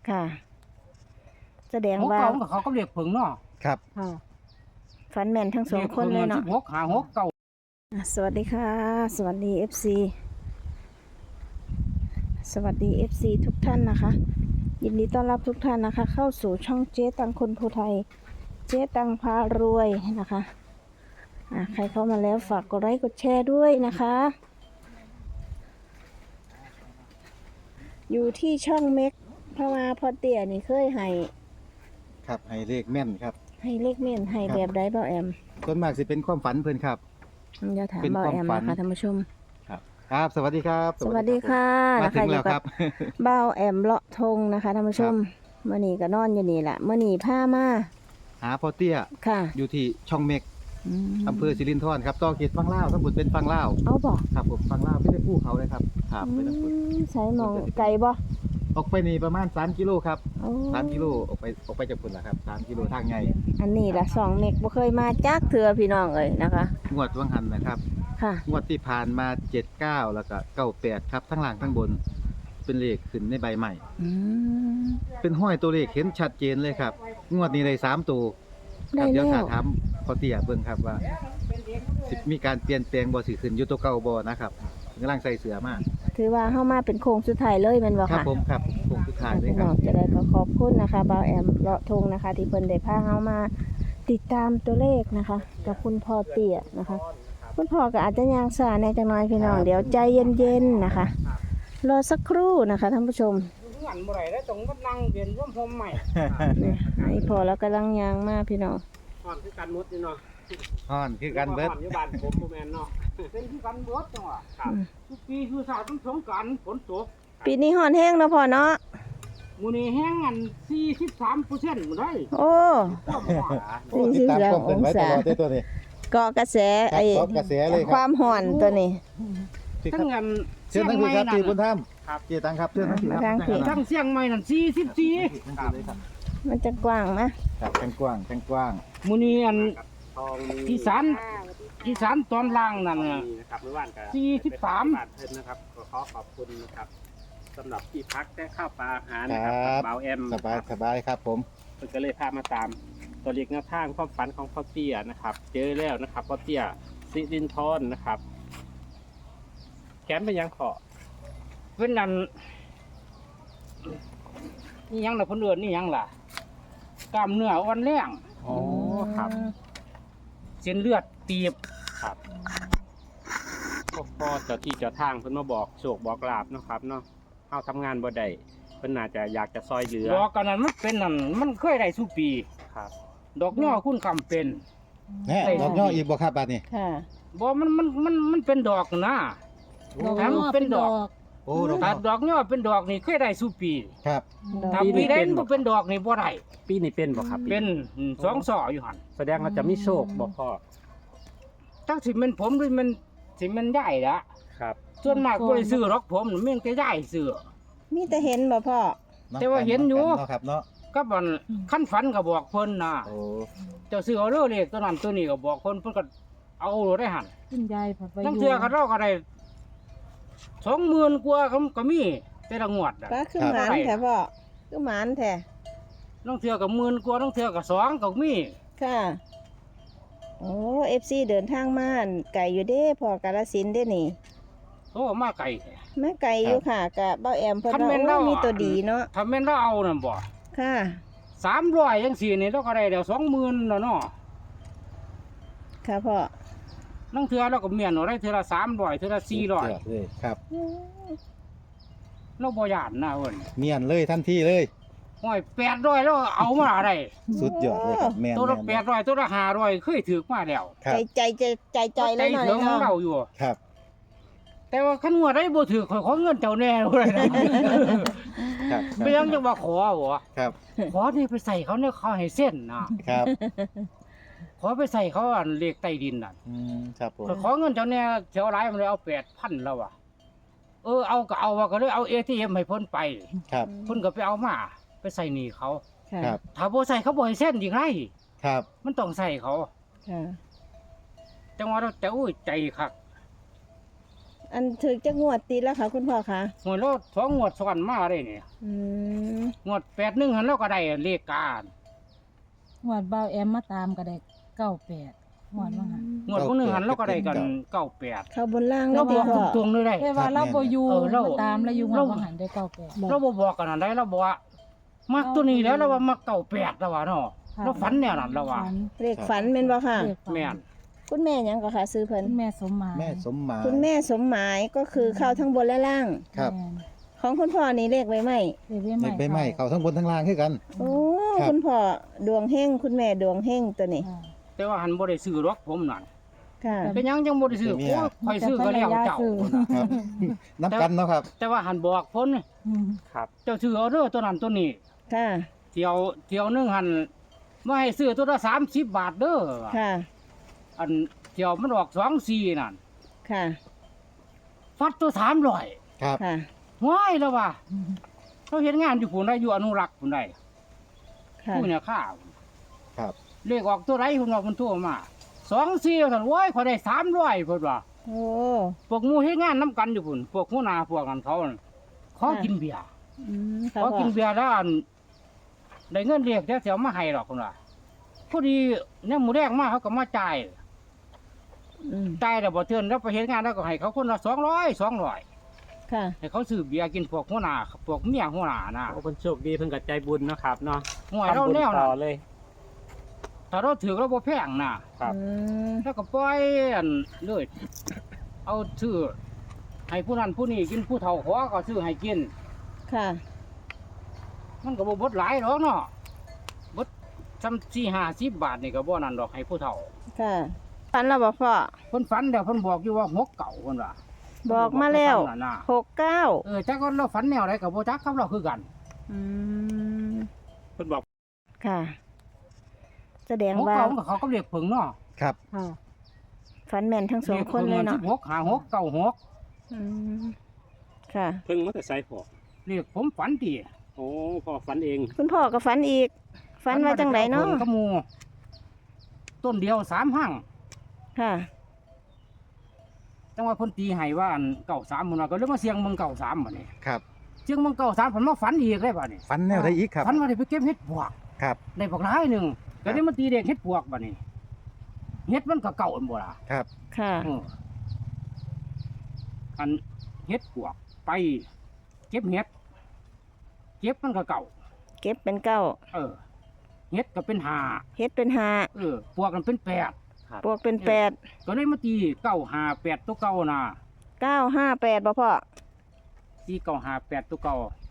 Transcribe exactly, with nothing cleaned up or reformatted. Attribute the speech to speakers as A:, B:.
A: ค่ะแสดง
B: หก
A: ว่า
B: เก้ากับเขาก็เรียกผึ่งเนาะ
C: ครับ
A: ค่ะฝันแม่นทั้งสองคนเลยเนาะ
B: หกหาหกเก้า
A: อ่ะสวัสดีค่ะ สวัสดี เอฟ ซี สวัสดี เอฟ ซี ทุกท่านนะคะ ยินดีต้อนรับทุกท่านนะคะ เข้าสู่ช่องเจ๊ตังคนภูไทย เจ๊ตังพารวยนะคะอ่ะใครเข้ามาแล้วฝากกดไลค์กดแชร์ด้วยนะคะ อยู่ที่ช่องเม็กเพราะว่าพอเตี่ยนี่เคยให้
C: ครับให้เลขแม่นครับ
A: ให้เลขเม่นให้
C: ครับ
A: แบบใดเบาแอม
C: ส่วนมากสิเป็นความฝันเพิ่นครับ
A: อย่าถาม
C: เป็น
A: เบา
C: ความ
A: แอม
C: ฝัน
A: นะคะท่านผู้ชม
C: ครับครับ สวัสดีครับ
A: สวัสดีค่ะ
C: มา
A: นะ
C: ถึ
A: คะ
C: ง
A: อ
C: แล้
A: ยู่
C: ว
A: กั
C: ครับ บ
A: เบ้าแอมเลาะทงนะคะท่านผู้ชมเมื่อนี้ก็นอนอยู่นี่แหละเมื่อนี้ผ้ามา
C: หาพ่อเตี้ย
A: ค่ะ
C: อยู่ที่ช่องเมก
A: ม
C: อำเภอสิรินธรครับต่อเขตฝั่งลาวทั้งหมดเป็นฝั่งลาว
A: เอาบ่
C: ครับผมฝั่งลาวไม่ได้ภูเขาเลยครับครับไปทั้งหมด
A: อืมใช้หมองไก่บ่
C: ออกไปนี่ประมาณสามกิโลครับ
A: โอ้
C: สามกิโลออกไปออกไปจากพุ่นล่ะครับสามกิโลทางใหญ่
A: อันนี้ล่ะสองเมกบ่เคยมาจักเถื่อพี่น้องเอ้ยนะคะ
C: งวดวังหันนะครับ
A: ค่ะ
C: งวดที่ผ่านมาเจ็ดเก้าแล้วก็เก้าแปดครับทั้งล่างทั้งบน เป็นเลขขึ้นในใบใหม่
A: อืม
C: เป็นห้อยตัวเลขเห็นชัดเจนเลยครับ งวดนี้ได้สามตัวค
A: ได้
C: รับเดี๋ยว
A: แล้
C: ถาว ถามพอเตี้ยเบิ่งครับว่าสิมีการเปลี่ยนแปลงบ่สิขึ้นอยู่ตัวเก่าบ่นะครับกำลังใส่เสื้อมา
A: ถือว่าเฮามาเป็นโค้งสุดท้ายเลยแม่นบ่
C: ครับ
A: ค่ะ
C: ผมครับคงสุดท้ายเลย
A: พี่
C: ค
A: น้
C: รั
A: อบ งจะได้ก็ขอบคุณนะคะเบาแอมเลาะทงนะคะ ที่เพิ่นได้พาเฮามาติดตามตัวเลขนะคะ กับคุณพ่อเตี้ยนะคะ คุณพ่อก็อาจจะย่างสาในจังน้อยพี่น้องเดี๋ยวใจเย็นๆนะคะ รอสักครู่นะคะท่านผู้ชม
B: งานบ่ได้แล้วต้องมานั่งเรียนร่วมพรมใหม่
A: นี่ให้พอแล้วกำลังยางมาพี่น้อง
B: อ่อนคือกันหมดนี่เนาะ
C: ฮ้อนคือกันเบิด
B: อ่อนอยู่บ้านผมบ่แม่นเนาะเป็นคือกันเบิดจังหวะครับทุกปีคือสาดต้องสงกรานต์ฝนตก
A: ปีนี้ห่อนแห้งเนาะพ่อเนาะ
B: มื้อนี้แห้งอัน สี่สิบสามเปอร์เซ็นต์ บ่ได้
A: โอ้
B: ความหวาน
C: โอ้ติดตามความเคลื่อนไหวตลอดเลยตัวนี้
A: เกาะกระแสไอ้
C: ครับเกาะกระแสเลยครับ
A: ความห่อนตัวนี้
C: พี่ค
B: ทั้
C: รับ
B: งอัน
C: เชิญทั้งพี่ครับพี่บุญธรรม
B: ครับ
C: เจตังครับเชิญทั้งพี่ครับ
A: ทางพี่
B: ทั้งเชียงใหม่นั่นสี่สิบสี่
C: ครับเลยครับ
A: มันจะกว้างไหม
C: ครับแข้งกว้างแข้งกว้าง
B: มื้อนี้อันอีสานอีสานตอนล่างนั่นน่ะ
D: นะครับเมื่อวานก็
B: สี่สิบสาม
D: บาทเพิ่นนะครับก็ขอขอบคุณนะครับสำหรับที่พักและข้าวปลาอาหาร
C: ค
D: นะ
C: รั
D: ครับ บเบาแอม
C: สบายสบายครับผม
D: เพิ่นก็เลยพามาตามตัวเลขแนวทางความฝันของพ่อเตี้ยนะครับ เจอแล้วนะครับพ่อเตี้ยสิรินทรนะครับแขนเป็นยังขอ
B: เป็นนั่นนี่ยังน่ะเพิ่นเอิ้นนี่ยังล่ะกล้ามเนื้ออ่อนแรง
D: อ๋อครับ
B: เส้นเลือดตีบ
D: ครับพ่อพ่อเจ้าที่เจ้าทางเพิ่นมาบอกโชคบอกลาบเนาะครับเนาะเฮาทำงานบ่ได้เพิ่นน่าจะอยากจะซอยเหลือ
B: ดอกกันนั้นมันเป็นนั่นมันเคยได้ทุกปี
D: ครับ
B: ดอกย่อคุณคำเป็น
C: แน่ดอกย่ออีกบ่ครับบาดนี้
A: ค่ะ
B: บ่มันมันมันมันเป็นดอกนะถ้ามันเป็นดอก
C: โอ้ดอก
B: ถ้า
C: ย่อ
B: ดอกย่อเป็นดอกนี่เคยได้ทุกปี
C: ครับ
B: ถ้าปีใดมันบ่เป็นดอกนี่บ่ได้
D: ปีนี้เป็นบ่ครับ
B: เป็นอืมสองศอกอยู่หั่น
D: แสดงว่าจะมีโชคบ่พ่อ
B: จักสิเป็นผมหรือมันสิมันใหญ่ละ
D: ครับ
B: ส่วนมากบ่ได้ซื้อหรอกผมนี่มันก็ใหญ่ซื้อ
A: มีแต่เห็นบ่พ่อ
B: แต่ว่าเห็นอยู่
C: เนาะครับเนาะ
B: ก็มันขั้นฝันก็บอกเพิ่นนะ
C: โอ้
B: เจ้าซื้อเอาเด้อเลขตัวนั้นตัวนี้ก็บอกเพิ่นเพิ่นก็เอาโลได้หั่น
E: คุณยายผัดไป
B: ทั้งเทื่อก็เราก็ได้สองหมื่นกว่าก็ก็มีแต่ละงวดอ่ะ
A: ป้าคือหมานแท้พ่อคือหมานแท้
B: ทั้งเทื่อก็หมื่นกว่าทั้งเทื่อก็สองก็มี
A: ค่ะ โอ้ เอฟซี เดินทางมาอั่นไก่อยู่เด้พ่อกาฬสินธุ์เด้นี่
B: โอ้มาไกลแท้
A: แม่ไก่อยู่ค่ะกะเบ้าแอมเพิ่น
B: คัน
A: ว่า
B: แม่นเรา
A: โอ้มีตัวดีเนาะ
B: ถ้าแม่นเราเอานั่นบ่
A: ค่ะ
B: สามร้อยจังซี่นี่เราก็ได้แล้วสองหมื่นแล้วเนาะ
A: ค่ะพ่อ
B: ทั้งเทื่อเราก็เมียนเอาได้เทื่อละสามร้อยเทื่อละสี่ร้อย
C: เเลยครับ
B: เราบ่ย่านนะเพิ่น
C: เมียนเลยทันทีเลย
B: ห้อยแปดร้อยแล้วเอามาได้
C: สุดยอดเลยครับแม่น
B: ตัวละ
C: ม่น
B: แปดร้อยตัวละห้าร้อยเคยถือมาแล้ว
C: ครั
A: ใจ
C: บ
A: ใจใจใจใจแล้วหน่อย
B: ถึงของ
A: เนาะ
B: เราอยู่
C: ครับ
B: แต่ว่าคันงวดได้บ่ถือขอยขอเงินเจ้าแน่เลยนะ
C: ครับ
B: ไม่ยังจะว่าขอบ่
C: ครับ
B: ขอนี่ไปใส่เขาเนี่ยเขาให้เส้นนะครับ ขอไปใส่เขาอันเลขใต้ดินน่ะ
C: อืมครับผม
B: ข้อยขอเงินเจ้าแน่เจ้าหลายมันเลยเอาแปดพันแล้วอ่ะเออเอาก็เอาว่าก็เลยเอา เอ ที เอ็ม ให้เพิ่นไป
C: ครับ
B: เพิ่นก็ไปเอามาไปใส่หนี้เขา
A: ค่ะ
C: ครับ
B: ถ้าบ่ใส่เขาบ่ให้เส้นอีกไร
C: ครับ
B: มันต้องใส่เขา
A: ค่ะ
B: จังว่าเราจะอุ้ยใจคัก
A: อันถึกจะงวดติดแล้วค่ะ คุณพ่อคะ
B: หวยเราสองงวดซ้อนมาได้นี่
A: อืม
B: งวดแปดหนึ่งหันเราก็ได้เลขการ
E: งวดบ่าวแอมมาตามก็ได้เก้าแปดงวดว่าหัน
B: งวดพวกหนึ่งหันเราก็ได้กันเก้าแปด
A: เข้าบนล่างแล้
B: เรา
A: ว
B: บ
A: ติ
B: อก
A: พ่อ
B: ตรงๆเลยได้
E: แต่ว่าเราบ่อยู่
B: เออเรา
E: มาตามแล้วอยู่งวดว่าหันได้เก้าแปด
B: เราบ่บอกกันอันใดเราบอกว่ามักตัวนี้แล้วเราว่ามักเก้าแปดแล้วว่าเนาะ
E: ค่ะ
B: เราฝันแนวนั้นแล้วว่า
E: ฝัน
A: เลขฝันแม่นบ่ค่ะ
E: เลขฝัน
B: แม่น
A: คุณแม่หยังก็ค่ะซื้อเพิ่น
E: คุณแม่สมหมาย
C: แม่สมหมาย
A: คุณแม่สมหมายก็คือเข้าทั้งบนและล่าง
C: ครับ
E: แม่น
A: ของคุณพ่อนี่เลขไว้ไหม
E: เลขไว้
C: ใน
E: ใหม่
C: ใบไม้เขาทั้งบนทั้งล่างคือกัน
A: โอ้
C: ครับ
A: คุณพ่อดวงเฮงคุณแม่ดวงเฮงตัวนี้
E: ค่ะ
B: แต่ว่าหันบ่ได้ซื้อหรอกผมนั่น
A: ค่ะ
B: เป็นหยังยังบ่ได้ซื้อ
C: แต่เมี
B: โอ้
C: ย
B: ยข่อยซื้อก็แล้วเจ้า
C: ครับน้ำกันเนาะครับ
B: แต่ว่าหันบอกพ้น
E: อืม
D: ครับ
B: เจ้าซื้อเอาเด้อตัวนั้นตัวนี้
A: ค่ะ
B: เที่ยวเที่ยวหนึงหันมาให้ซื้อตัวละสามสิบบาทเด้อ
A: ค่ะ
B: อันเที่ยวมันออกสองสี่นั่น
A: ค่ะ
B: ฟัดตัวสามร้อย
C: ครับ
A: ค่ะ
B: ว้ายแล้วว่าเขาเห็นงานอยู่พุ่นได้อยู่อนุรักษ์พุ่นได้
A: ค่ะ
B: ผู้เนี่ยข้าว
C: ครับ
B: เลขออกตัวไรพุ่นว่าพุ่นโทั่วมาสองสี่ท่านว้ายเขาได้สามร้อยพุ่นว่า
A: โอ้
B: พวกหมูเฮ็ดงานน้ำกันอยู่พุ่นพวกหัวหน้าพวกกันเขาน่ะขอกินเบียร์
A: อืมค่ะ
B: ขอ
A: พ่อ
B: กินเบียร์แล้วอันได้เงินเรียกแต่เสียวมาให้หรอกพุ่นว่าพอดีเนี่ยหมูแดงมาเขาก็มาจ่าย
A: อืม
B: จ่ายแล้วบ่เทื่อนแล้วไปเฮ็ดงานแล้วก็ให้เขาคนละสองร้อยสองร้อย
A: ค่ะ
B: ให้เขาซื้อเบียร์กินพวกหัวหน้าพวกเมียหัวหน้าน่ะ
D: โอ้คนโชคดีเพิ่นก็ใจบุญเนาะครับเนาะ
B: ห่วยเรา
D: ทำบุญ
B: แนว
D: ต่
B: น่ะ
D: อเลย
B: ถ้าเราถือเราบ่แพงน่ะ
D: ครับ
A: อืม
B: แล้วก็ปล่อยอันเลยเอาซื้อให้ผู้นั้นผู้นี้กินผู้เฒ่าขอก็ซื้อให้กิน
A: ค่ะ
B: มันก็บ่เบดหลายหรอกเนาะเบดซ้ำสี่ห้าสิบบาทนี่ก็บ่นั่นดอกให้ผู้เฒ่า
A: ค่ะฝันแล้วบอกพ่อ
B: เพิ่นฝันแล้วเพิ่นบอกอยู่ว่าหกเก่าเพิ่นว่า
A: บอกมาแล้ว
B: เพิ่นบอกให้ฟังน่ะนะ
A: หกเก้า
B: เออจักว่าเราฝันแนวใดก็บ่จักกับเราคือกัน
A: อืม
D: เพิ่นบอก
A: ค่ะ แสดง
B: หก
A: ว่า
B: เก่ามันก็เขาก็เรียกเพิ่งเนาะ
C: ครับ
E: ค่ะ
A: ฝันแม่นทั้งสองคนเลยเนาะ
B: สิบหกหาหกเก้าหก
A: อืมค่ะ
D: เพิ่งมาแต่ไซพอ
B: เรียกผมฝันติ
D: โอ้พ่อฝันเอง
A: คุณพ่อก็ฝันอีก ฝันว่าจังไดเนาะ
B: พิ่กับหมู่ต้นเดียวสามหั่ง
A: ค่ะ
B: จังว่าเพิ่นตีให้ว่าอันเก้าสามมันว่าก็เลยมาเสียงเมืองเก้าสามบัดนี้
C: ครับ
B: เสียงเมืองเก้าสามผมมาฝันอีกเลยบัดนี้
C: ฟันแนวได้อีกครับ
B: ฝันว่าได้ไปเก็บเห็ดปวก
C: ครับ
B: ได้บักหลายหนึงก็ได้มาตีเด็กเห็ดปวกบัดนี้เห็ดมันก็เก่าอันบ่ล่ะ
C: ครับ
A: ค่ะ
B: เอออันเห็ดปวกไป เก็บเห็ดเก็บมันก็เก่า
A: เก็บเป็นเก้า
B: เออเห็ดก็เป็นห้า
A: เฮ็ดเป็นห้า
B: เออปวกกันเป็นแปด
A: ปวกเป็นแปด
B: ก็เลยมาตีเก้าห้าแปดตัวเก่าน่ะ
A: เก้าห้าแปดบ่พ่อ
B: ตีเก้าห้าแปดตัวเก่า